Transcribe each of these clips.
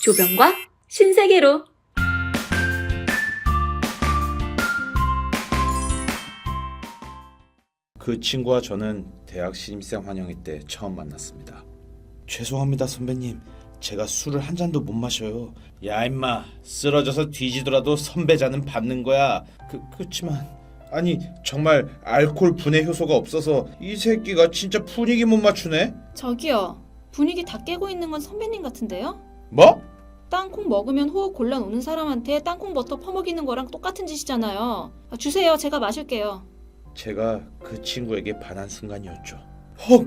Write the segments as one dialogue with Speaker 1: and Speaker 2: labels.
Speaker 1: 조병과 신세계로.
Speaker 2: 그 친구와 저는 대학 신입생 환영회 때 처음 만났습니다. 죄송합니다 선배님, 제가 술을 한 잔도 못 마셔요. 야 임마, 쓰러져서 뒤지더라도 선배 잔은 받는 거야. 그렇지만 아니 정말 알코올 분해 효소가 없어서 이 새끼가 진짜 분위기 못 맞추네.
Speaker 3: 저기요, 분위기 다 깨고 있는 건 선배님 같은데요?
Speaker 2: 뭐?
Speaker 3: 땅콩 먹으면 호흡 곤란 오는 사람한테 땅콩 버터 퍼먹이는 거랑 똑같은 짓이잖아요. 주세요, 제가 마실게요.
Speaker 2: 제가 그 친구에게 반한 순간이었죠. 헉!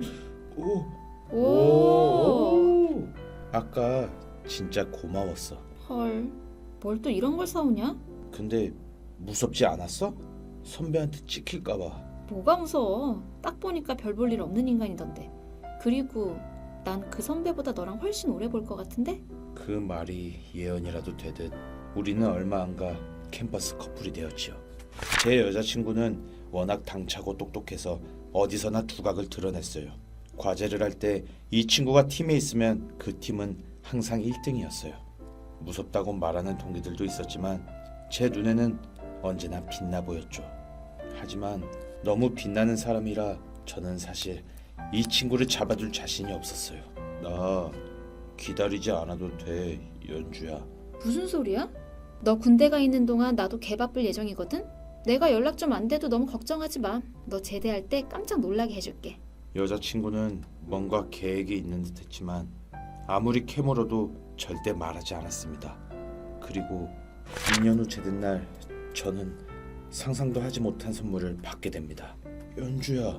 Speaker 2: 오! 아까 진짜 고마웠어.
Speaker 3: 헐, 뭘 또 이런 걸 사오냐?
Speaker 2: 근데 무섭지 않았어? 선배한테 찍힐까봐.
Speaker 3: 뭐가 무서워. 딱 보니까 별 볼 일 없는 인간이던데. 그리고 난 그 선배보다 너랑 훨씬 오래 볼 것 같은데?
Speaker 2: 그 말이 예언이라도 되듯 우리는 얼마 안 가 캠퍼스 커플이 되었지요. 제 여자친구는 워낙 당차고 똑똑해서 어디서나 두각을 드러냈어요. 과제를 할 때 이 친구가 팀에 있으면 그 팀은 항상 1등이었어요. 무섭다고 말하는 동기들도 있었지만 제 눈에는 언제나 빛나 보였죠. 하지만 너무 빛나는 사람이라 저는 사실 이 친구를 잡아둘 자신이 없었어요. 나 기다리지 않아도 돼, 연주야.
Speaker 3: 무슨 소리야? 너 군대 가 있는 동안 나도 개 바쁠 예정이거든? 내가 연락 좀 안 돼도 너무 걱정하지 마. 너 제대할 때 깜짝 놀라게 해줄게.
Speaker 2: 여자친구는 뭔가 계획이 있는 듯 했지만 아무리 캐물어도 절대 말하지 않았습니다. 그리고 2년 후 제된 날 저는 상상도 하지 못한 선물을 받게 됩니다. 연주야,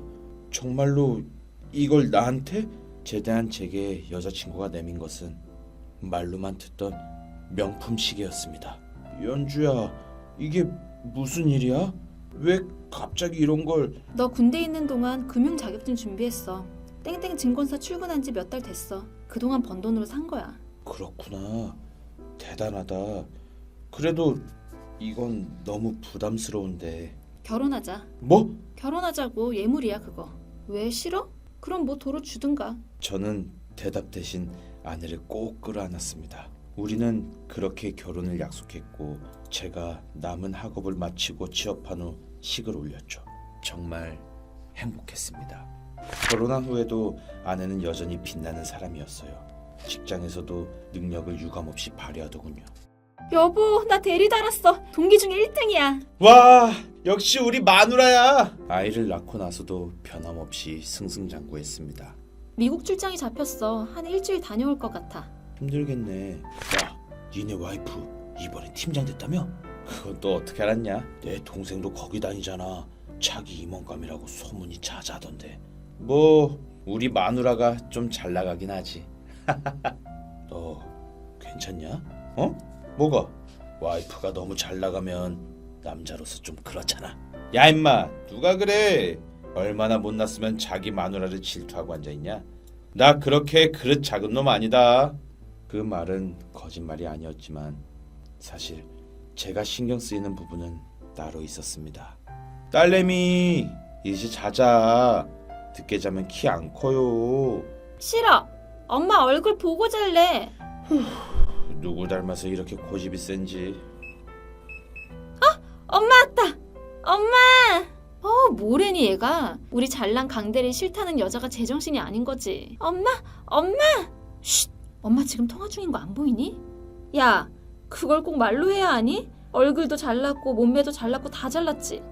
Speaker 2: 정말로 이걸 나한테? 제대한 제게 여자친구가 내민 것은 말로만 듣던 명품 시계였습니다. 연주야, 이게 무슨 일이야? 왜 갑자기 이런 걸...
Speaker 3: 너 군대 있는 동안 금융 자격증 준비했어. 땡땡 증권사 출근한 지 몇 달 됐어. 그동안 번 돈으로 산 거야.
Speaker 2: 그렇구나. 대단하다. 그래도 이건 너무 부담스러운데.
Speaker 3: 결혼하자.
Speaker 2: 뭐?
Speaker 3: 결혼하자고. 예물이야 그거. 왜 싫어? 그럼 뭐 도로 주든가.
Speaker 2: 저는 대답 대신 아내를 꼭 끌어안았습니다. 우리는 그렇게 결혼을 약속했고 제가 남은 학업을 마치고 취업한 후 식을 올렸죠. 정말 행복했습니다. 결혼한 후에도 아내는 여전히 빛나는 사람이었어요. 직장에서도 능력을 유감없이 발휘하더군요.
Speaker 3: 여보, 나 대리 달았어. 동기 중에 1등이야.
Speaker 2: 와, 역시 우리 마누라야. 아이를 낳고 나서도 변함없이 승승장구했습니다.
Speaker 3: 미국 출장이 잡혔어. 한 일주일 다녀올 것 같아.
Speaker 2: 힘들겠네. 야, 니네 와이프 이번에 팀장 됐다며? 그건 또 어떻게 알았냐? 내 동생도 거기 다니잖아. 자기 임원감이라고 소문이 자자하던데. 뭐 우리 마누라가 좀 잘 나가긴 하지. 너 괜찮냐? 어? 뭐가? 와이프가 너무 잘 나가면 남자로서 좀 그렇잖아. 야 임마, 누가 그래? 얼마나 못났으면 자기 마누라를 질투하고 앉아있냐? 나 그렇게 그릇 작은 놈 아니다. 그 말은 거짓말이 아니었지만 사실 제가 신경 쓰이는 부분은 따로 있었습니다. 딸내미, 이제 자자. 늦게 자면 키 안 커요.
Speaker 3: 싫어. 엄마 얼굴 보고 잘래.
Speaker 2: 누구 닮아서 이렇게 고집이 센지.
Speaker 3: 엄마 왔다. 엄마. 뭐래니 얘가. 우리 잘난 강대리 싫다는 여자가 제정신이 아닌 거지. 엄마. 쉿. 엄마 지금 통화 중인 거 안 보이니? 야, 그걸 꼭 말로 해야 하니? 얼굴도 잘났고 몸매도 잘났고 다 잘났지.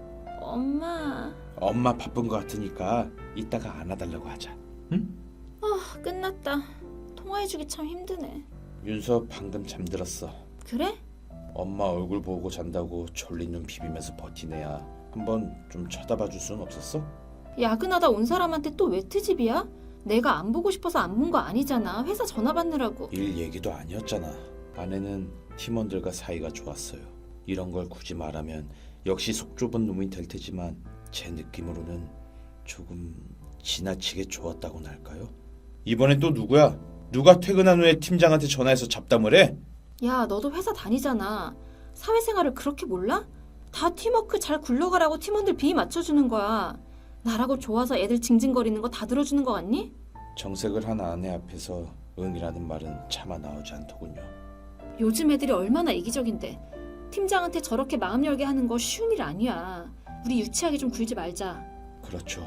Speaker 2: 엄마 바쁜 거 같으니까 이따가 안아달라고 하자. 응?
Speaker 3: 끝났다. 통화해주기 참 힘드네.
Speaker 2: 윤서 방금 잠들었어.
Speaker 3: 그래?
Speaker 2: 엄마 얼굴 보고 잔다고 졸린 눈 비비면서 버티네야. 한번 좀 쳐다봐 줄 순 없었어?
Speaker 3: 야근하다 온 사람한테 또 왜 트집이야? 내가 안 보고 싶어서 안 본 거 아니잖아. 회사 전화 받느라고.
Speaker 2: 일 얘기도 아니었잖아. 아내는 팀원들과 사이가 좋았어요. 이런 걸 굳이 말하면 역시 속 좁은 놈이 될 테지만 제 느낌으로는 조금 지나치게 좋았다고나 할까요? 이번엔 또 누구야? 누가 퇴근한 후에 팀장한테 전화해서 잡담을 해?
Speaker 3: 야, 너도 회사 다니잖아. 사회생활을 그렇게 몰라? 다 팀워크 잘 굴러가라고 팀원들 비위 맞춰주는 거야. 나라고 좋아서 애들 징징거리는 거 다 들어주는 거 같니?
Speaker 2: 정색을 한 아내 앞에서 응이라는 말은 차마 나오지 않더군요.
Speaker 3: 요즘 애들이 얼마나 이기적인데 팀장한테 저렇게 마음 열게 하는 거 쉬운 일 아니야. 우리 유치하게 좀 굴지 말자.
Speaker 2: 그렇죠.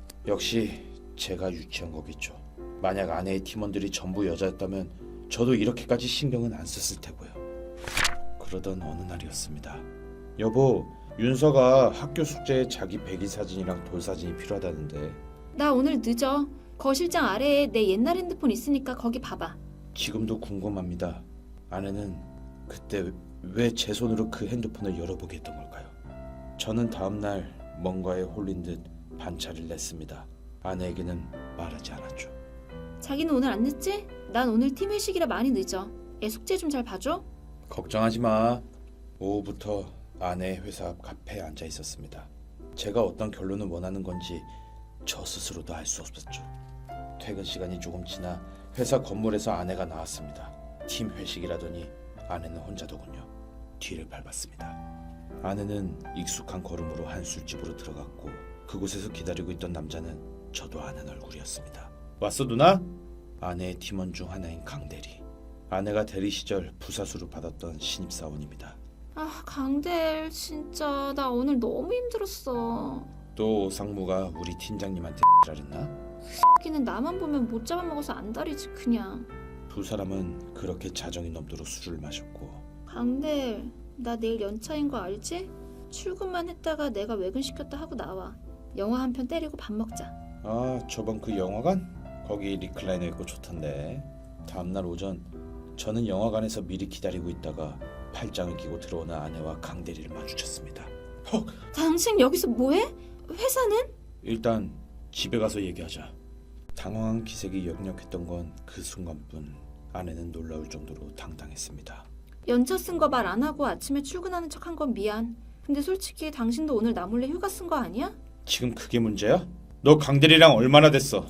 Speaker 2: 역시 제가 유치한 거겠죠. 만약 아내의 팀원들이 전부 여자였다면 저도 이렇게까지 신경은 안 썼을 테고요. 그러던 어느 날이었습니다. 여보, 윤서가 학교 숙제에 자기 백일 사진이랑 돌 사진이 필요하다는데
Speaker 3: 나 오늘 늦어. 거실장 아래에 내 옛날 핸드폰 있으니까 거기 봐봐.
Speaker 2: 지금도 궁금합니다. 아내는 그때 왜 제 손으로 그 핸드폰을 열어보게 했던 걸까요? 저는 다음날 뭔가에 홀린 듯 반차를 냈습니다. 아내에게는 말하지 않았죠.
Speaker 3: 자기는 오늘 안 늦지? 난 오늘 팀 회식이라 많이 늦어. 애 숙제 좀 잘 봐줘.
Speaker 2: 걱정하지 마. 오후부터 아내의 회사 앞 카페에 앉아 있었습니다. 제가 어떤 결론을 원하는 건지 저 스스로도 알 수 없었죠. 퇴근 시간이 조금 지나 회사 건물에서 아내가 나왔습니다. 팀 회식이라더니 아내는 혼자더군요. 뒤를 밟았습니다. 아내는 익숙한 걸음으로 한 술집으로 들어갔고 그곳에서 기다리고 있던 남자는 저도 아는 얼굴이었습니다. 왔어 누나? 아내의 팀원 중 하나인 강대리. 아내가 대리 시절 부사수로 받았던 신입사원입니다.
Speaker 3: 아, 강대일 진짜 나 오늘 너무 힘들었어.
Speaker 2: 또 오상무가 우리 팀장님한테 잘했나?
Speaker 3: 걔는 나만 보면 못 잡아먹어서 안달이지 그냥.
Speaker 2: 두 사람은 그렇게 자정이 넘도록 술을 마셨고
Speaker 3: 강대일, 나 내일 연차인 거 알지? 출근만 했다가 내가 외근시켰다 하고 나와. 영화 한 편 때리고 밥 먹자.
Speaker 2: 아 저번 그 영화관? 거기 리클라이너 있고 좋던데. 다음날 오전 저는 영화관에서 미리 기다리고 있다가 팔짱을 끼고 들어오는 아내와 강대리를 마주쳤습니다. 헉!
Speaker 3: 당신 여기서 뭐해? 회사는?
Speaker 2: 일단 집에 가서 얘기하자. 당황한 기색이 역력했던 건 그 순간뿐. 아내는 놀라울 정도로 당당했습니다.
Speaker 3: 연차 쓴 거 말 안 하고 아침에 출근하는 척 한 건 미안. 근데 솔직히 당신도 오늘 나 몰래 휴가 쓴 거 아니야?
Speaker 2: 지금 그게 문제야? 너 강대리랑 얼마나 됐어?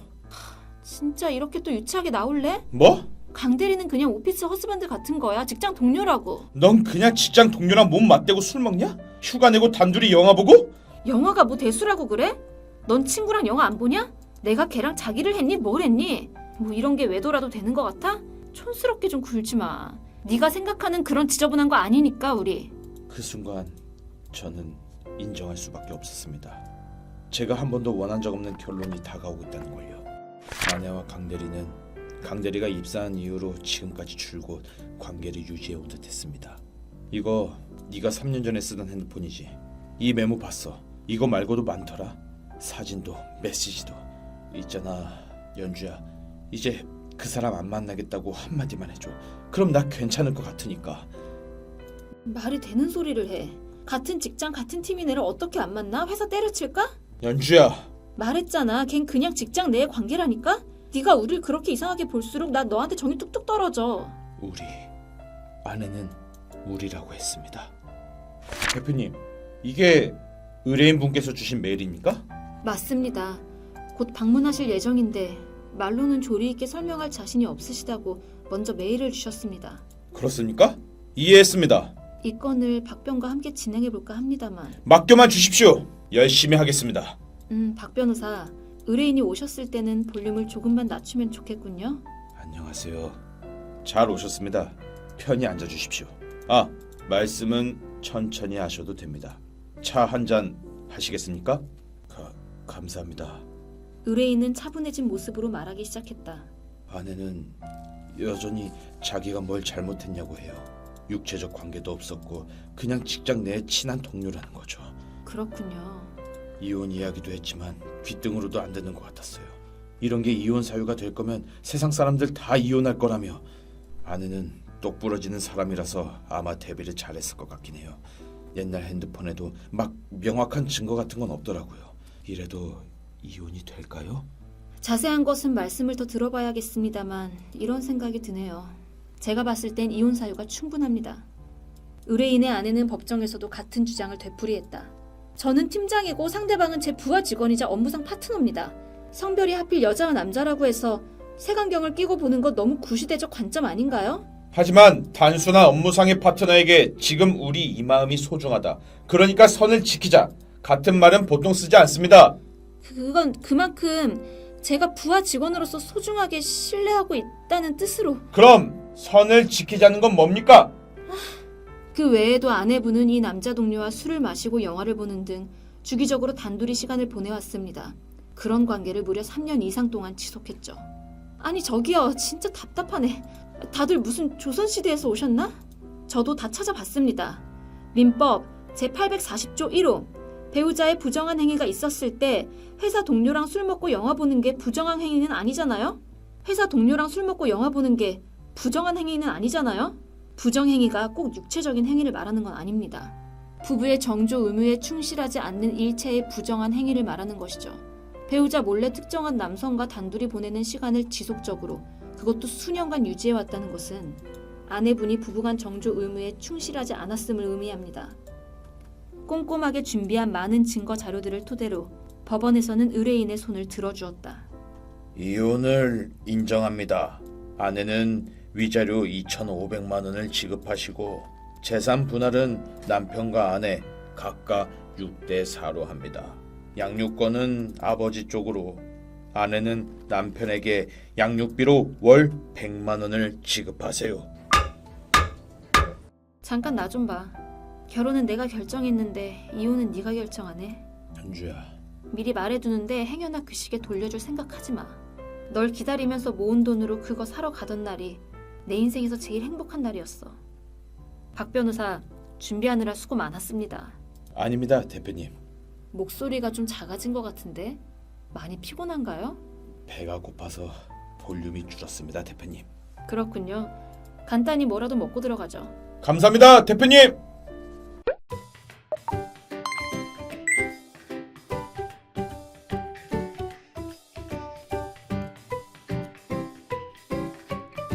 Speaker 3: 진짜 이렇게 또 유치하게 나올래?
Speaker 2: 뭐?
Speaker 3: 강대리는 그냥 오피스 허스밴드 같은 거야. 직장 동료라고.
Speaker 2: 넌 그냥 직장 동료랑 몸 맞대고 술 먹냐? 휴가 내고 단둘이 영화 보고?
Speaker 3: 영화가 뭐 대수라고 그래? 넌 친구랑 영화 안 보냐? 내가 걔랑 자기를 했니? 뭘 했니? 뭐 이런 게 외도라도 되는 거 같아? 촌스럽게 좀 굴지 마. 네가 생각하는 그런 지저분한 거 아니니까 우리.
Speaker 2: 그 순간 저는 인정할 수밖에 없었습니다. 제가 한 번도 원한 적 없는 결론이 다가오고 있다는 걸요. 아내와 강대리가 입사한 이후로 지금까지 줄곧 관계를 유지해온 듯했습니다. 이거 네가 3년 전에 쓰던 핸드폰이지? 이 메모 봤어. 이거 말고도 많더라. 사진도 메시지도. 있잖아 연주야, 이제 그 사람 안 만나겠다고 한마디만 해줘. 그럼 나 괜찮을 것 같으니까.
Speaker 3: 말이 되는 소리를 해. 같은 직장 같은 팀인 애를 어떻게 안 만나? 회사 때려칠까?
Speaker 2: 연주야,
Speaker 3: 말했잖아. 걘 그냥 직장 내의 관계라니까? 네가 우릴 그렇게 이상하게 볼수록 난 너한테 정이 뚝뚝 떨어져.
Speaker 2: 우리. 아내는 우리라고 했습니다. 대표님, 이게 의뢰인분께서 주신 메일입니까?
Speaker 3: 맞습니다. 곧 방문하실 예정인데 말로는 조리 있게 설명할 자신이 없으시다고 먼저 메일을 주셨습니다.
Speaker 2: 그렇습니까? 이해했습니다.
Speaker 3: 이 건을 박변과 함께 진행해볼까 합니다만.
Speaker 2: 맡겨만 주십시오. 열심히 하겠습니다.
Speaker 3: 박 변호사, 의뢰인이 오셨을 때는 볼륨을 조금만 낮추면 좋겠군요.
Speaker 2: 안녕하세요. 잘 오셨습니다. 편히 앉아주십시오. 아, 말씀은 천천히 하셔도 됩니다. 차 한 잔 하시겠습니까? 감사합니다.
Speaker 3: 의뢰인은 차분해진 모습으로 말하기 시작했다.
Speaker 2: 아내는 여전히 자기가 뭘 잘못했냐고 해요. 육체적 관계도 없었고 그냥 직장 내 친한 동료라는 거죠.
Speaker 3: 그렇군요.
Speaker 2: 이혼 이야기도 했지만 귓등으로도 안 되는 것 같았어요. 이런 게 이혼 사유가 될 거면 세상 사람들 다 이혼할 거라며. 아내는 똑부러지는 사람이라서 아마 대비를 잘했을 것 같긴 해요. 옛날 핸드폰에도 막 명확한 증거 같은 건 없더라고요. 이래도 이혼이 될까요?
Speaker 3: 자세한 것은 말씀을 더 들어봐야겠습니다만 이런 생각이 드네요. 제가 봤을 땐 이혼 사유가 충분합니다. 의뢰인의 아내는 법정에서도 같은 주장을 되풀이했다. 저는 팀장이고 상대방은 제 부하 직원이자 업무상 파트너입니다. 성별이 하필 여자와 남자라고 해서 색안경을 끼고 보는 것 너무 구시대적 관점 아닌가요?
Speaker 2: 하지만 단순한 업무상의 파트너에게 지금 우리 이 마음이 소중하다. 그러니까 선을 지키자. 같은 말은 보통 쓰지 않습니다.
Speaker 3: 그건 그만큼 제가 부하 직원으로서 소중하게 신뢰하고 있다는 뜻으로.
Speaker 2: 그럼 선을 지키자는 건 뭡니까?
Speaker 3: 그 외에도 아내분은 이 남자 동료와 술을 마시고 영화를 보는 등 주기적으로 단둘이 시간을 보내왔습니다. 그런 관계를 무려 3년 이상 동안 지속했죠. 아니 저기요, 진짜 답답하네. 다들 무슨 조선시대에서 오셨나? 저도 다 찾아봤습니다. 민법 제840조 1호 배우자의 부정한 행위가 있었을 때 회사 동료랑 술 먹고 영화 보는 게 부정한 행위는 아니잖아요? 회사 동료랑 술 먹고 영화 보는 게 부정한 행위는 아니잖아요? 부정행위가 꼭 육체적인 행위를 말하는 건 아닙니다. 부부의 정조 의무에 충실하지 않는 일체의 부정한 행위를 말하는 것이죠. 배우자 몰래 특정한 남성과 단둘이 보내는 시간을 지속적으로, 그것도 수년간 유지해왔다는 것은 아내분이 부부간 정조 의무에 충실하지 않았음을 의미합니다. 꼼꼼하게 준비한 많은 증거 자료들을 토대로 법원에서는 의뢰인의 손을 들어주었다.
Speaker 2: 이혼을 인정합니다. 아내는 위자료 2,500만 원을 지급하시고 재산 분할은 남편과 아내 각각 6대 4로 합니다. 양육권은 아버지 쪽으로, 아내는 남편에게 양육비로 월 100만 원을 지급하세요.
Speaker 3: 잠깐 나 좀 봐. 결혼은 내가 결정했는데 이혼은 네가 결정하네.
Speaker 2: 현주야,
Speaker 3: 미리 말해두는데 행여나 그 시기에 돌려줄 생각하지 마. 널 기다리면서 모은 돈으로 그거 사러 가던 날이 내 인생에서 제일 행복한 날이었어. 박 변호사, 준비하느라 수고 많았습니다.
Speaker 2: 아닙니다, 대표님.
Speaker 3: 목소리가 좀 작아진 것 같은데 많이 피곤한가요?
Speaker 2: 배가 고파서 볼륨이 줄었습니다, 대표님.
Speaker 3: 그렇군요. 간단히 뭐라도 먹고 들어가죠.
Speaker 2: 감사합니다, 대표님.